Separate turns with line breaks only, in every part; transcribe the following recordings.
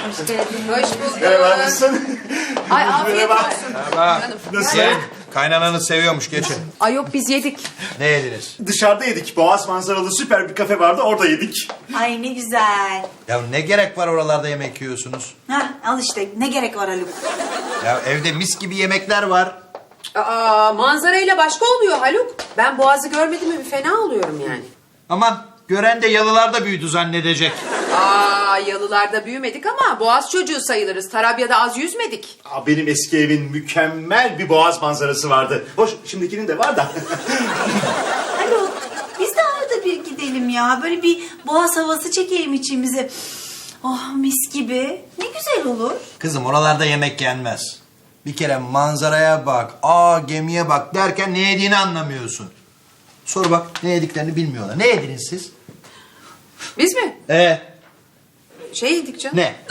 Hoş geldin.
Hoş bulduk.
Merhaba, nasılsın?
Ay afiyet olsun.
Merhaba.
Nasıl?
Kaynananız seviyormuş, geçin.
Ay yok biz yedik.
Ne yediniz?
Dışarıda yedik. Boğaz manzaralı süper bir kafe vardı, orada yedik.
Ay ne güzel.
Ya ne gerek var oralarda yemek yiyorsunuz?
Hah, al işte ne gerek var Haluk.
Ya evde mis gibi yemekler var.
Aa, manzarayla başka oluyor Haluk. Ben Boğaz'ı görmedim mi bir fena oluyorum yani.
Aman gören de yalılarda büyüdü zannedecek.
Aa, yalılarda büyümedik ama Boğaz çocuğu sayılırız. Tarabya'da az yüzmedik.
Aa, benim eski evin mükemmel bir boğaz manzarası vardı. Hoş, şimdikinin de var da.
Haluk biz de arada bir gidelim ya. Böyle bir boğaz havası çekelim içimize. Oh mis gibi. Ne güzel olur.
Kızım oralarda yemek yenmez. Bir kere manzaraya bak, gemiye bak derken ne yediğini anlamıyorsun. Sor bak ne yediklerini bilmiyorlar. Ne yediniz siz?
Biz mi?
Şey
yedik canım.
Ne?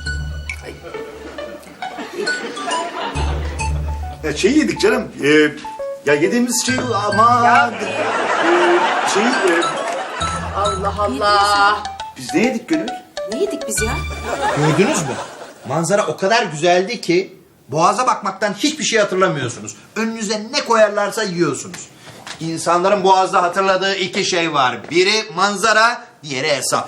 Ya şey yedik canım. Ya yediğimiz şey ama...
Allah Allah.
Biz ne yedik Gönül?
Ne yedik biz ya?
Gördünüz mü? Manzara o kadar güzeldi ki boğaza bakmaktan hiçbir şey hatırlamıyorsunuz. Önünüze ne koyarlarsa yiyorsunuz. İnsanların boğazda hatırladığı iki şey var. Biri manzara, diğeri hesap.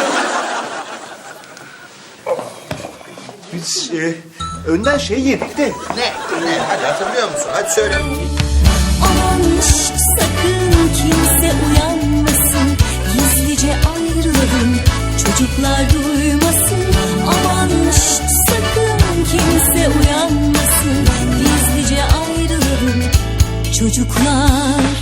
Biz önden şey yedik de...
Ne? Hadi hatırlıyor musun? Hadi söyle.
Aman şşt, sakın kimse uyanmasın. Gizlice ayrılalım, çocuklar duymasın. Aman şşt, sakın kimse uyanmasın. Gizlice ayrılalım, çocuklar